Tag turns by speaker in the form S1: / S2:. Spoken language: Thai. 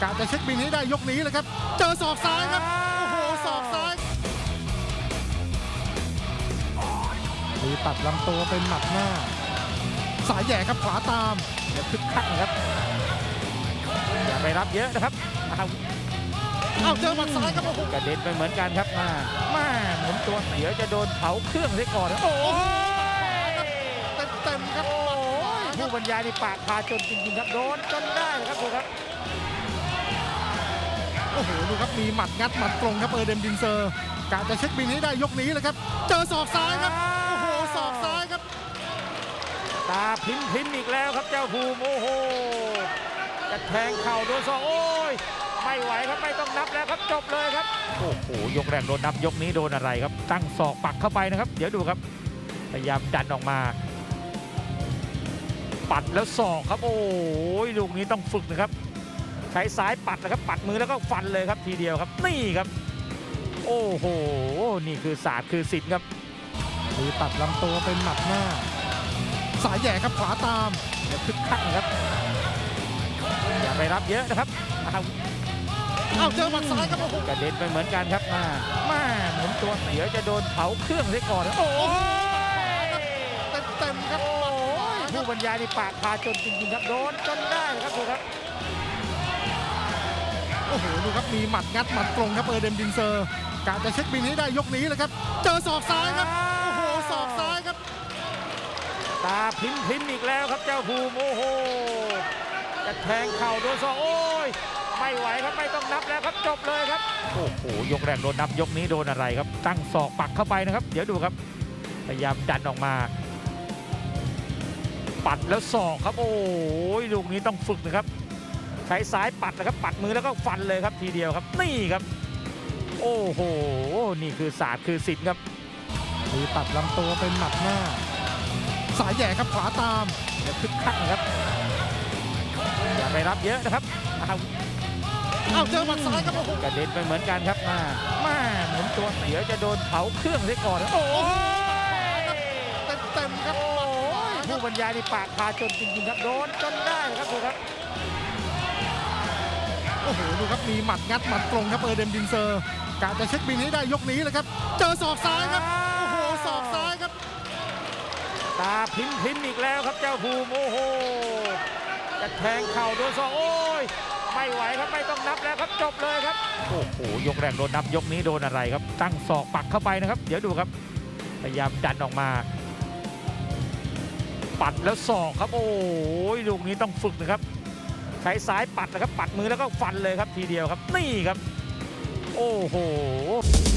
S1: กะจะเช็คบินให้ได้ยกนี้เลยครับเจอศอกซ้ายครับโอ้โหศอกซ้ายมีตัดลำตัวเป็นหมัดหน้าสายแหย่ครับขวาตาม
S2: เดี๋ยวคึกคักนะครับอย่าไปรับเยอะนะครับ
S1: เอาเจอหมัดซ้ายครับโอ้โห
S2: กระเด็นไปเหมือนกันครับมาหมุนตัวเดี๋ยวจะโดนเผาเครื่องเสียก่อนโอ้ย
S1: เต็มครับ
S2: ผู้บรรยายในปากพาจนจริงๆครับโดนจนได้ครับดูครับ
S1: โอ้โหดูครับมีหมัดงัดหมัดตรงครับเดมดินเซอร์กะจะเช็คบินให้ได้ยกนี้เลยครับเจอศอกซ้ายครับโอ้โหศอกซ้ายครับ
S2: ตาพิมอีกแล้วครับเจ้าภูมิโอ้โหจะแทงเข่าโดนศอกโอ้ยไม่ไหวครับไม่ต้องนับแล้วครับจบเลยครับโอ้โหยกแรกโดนนับยกนี้โดนอะไรครับตั้งศอกปักเข้าไปนะครับเดี๋ยวดูครับพยายามดันออกมาปัดแล้วศอกครับโอ้ยลูกนี้ต้องฝึกนะครับใช้ซ้ายปัดนะครับปัดมือแล้วก็ฟันเลยครับทีเดียวครับนี่ครับโอ้โหนี่คือศาสตร์คือศิลป์ครับ
S1: มีตัดลำตัวเป็นหมัดหน้าสายแหย่ครับขวาตาม
S2: เดี๋ยวคึกคักนะครับอย่าไปรับเยอะนะครับ
S1: เอาเจอหมัดซ้ายครับโอ้โห
S2: กระเด็นไปเหมือนกันครับมาหมุนตัวเดี๋ยวจะโดนเผาเครื่องเสียก่อนโอ้ย
S1: เต็มครับ
S2: ผู้บรรยายในปากพาจนจริงๆครับโดนจนได้ครับดูครับ
S1: โอ้โหดูครับมีหมัดงัดหมัดตรงครับเดมดินเซอร์กะจะเช็คบินให้ได้ยกนี้เลยครับเจอศอกซ้ายครับโอ้โหศอกซ้ายครับ
S2: ตาพิมอีกแล้วครับเจ้าภูมิโอ้โหจะแทงเข่าโดนศอกโอ้ยไม่ไหวครับไม่ต้องนับแล้วครับจบเลยครับโอ้โหยกแรกโดนนับยกนี้โดนอะไรครับตั้งศอกปักเข้าไปนะครับเดี๋ยวดูครับพยายามดันออกมาปัดแล้วศอกครับโอ้ยลูกนี้ต้องฝึกนะครับใช้ซ้ายปัดนะครับปัดมือแล้วก็ฟันเลยครับทีเดียวครับนี่ครับโอ้โหนี่คือศาสตร์คือศิลป์ครับ
S1: มีตัดลำตัวเป็นหมัดหน้าสายแหย่ครับขวาตาม
S2: เดี๋ยวคึกคักนะครับอย่าไปรับเยอะนะครับ
S1: เอาเจอหมัดซ้ายครับโอ้โห
S2: กระเด็นไปเหมือนกันครับมาหมุนตัวเดี๋ยวจะโดนเผาเครื่องเสียก่อนโอ้ย
S1: เต็มครับ
S2: ผู้บรรยายในปากพาจนจริงๆครับโดนจนได้ครับดูครับ
S1: โอ้โหดูครับมีหมัดงัดหมัดตรงครับเดมดินเซอร์กะจะเช็คบินให้ได้ยกนี้เลยครับเจอศอกซ้ายครับโอ้โหศอกซ้ายครับ
S2: ตาพิมอีกแล้วครับเจ้าภูมิโอ้โหจะแทงเข่าโดนศอกโอ้ยไม่ไหวครับไม่ต้องนับแล้วครับจบเลยครับโอ้โหยกแรกโดนนับยกนี้โดนอะไรครับตั้งศอกปักเข้าไปนะครับเดี๋ยวดูครับพยายามดันออกมาปัดแล้วศอกครับโอ้ยลูกนี้ต้องฝึกนะครับใช้ซ้ายปัดนะครับปัดมือแล้วก็ฟันเลยครับทีเดียวครับนี่ครับโอ้โห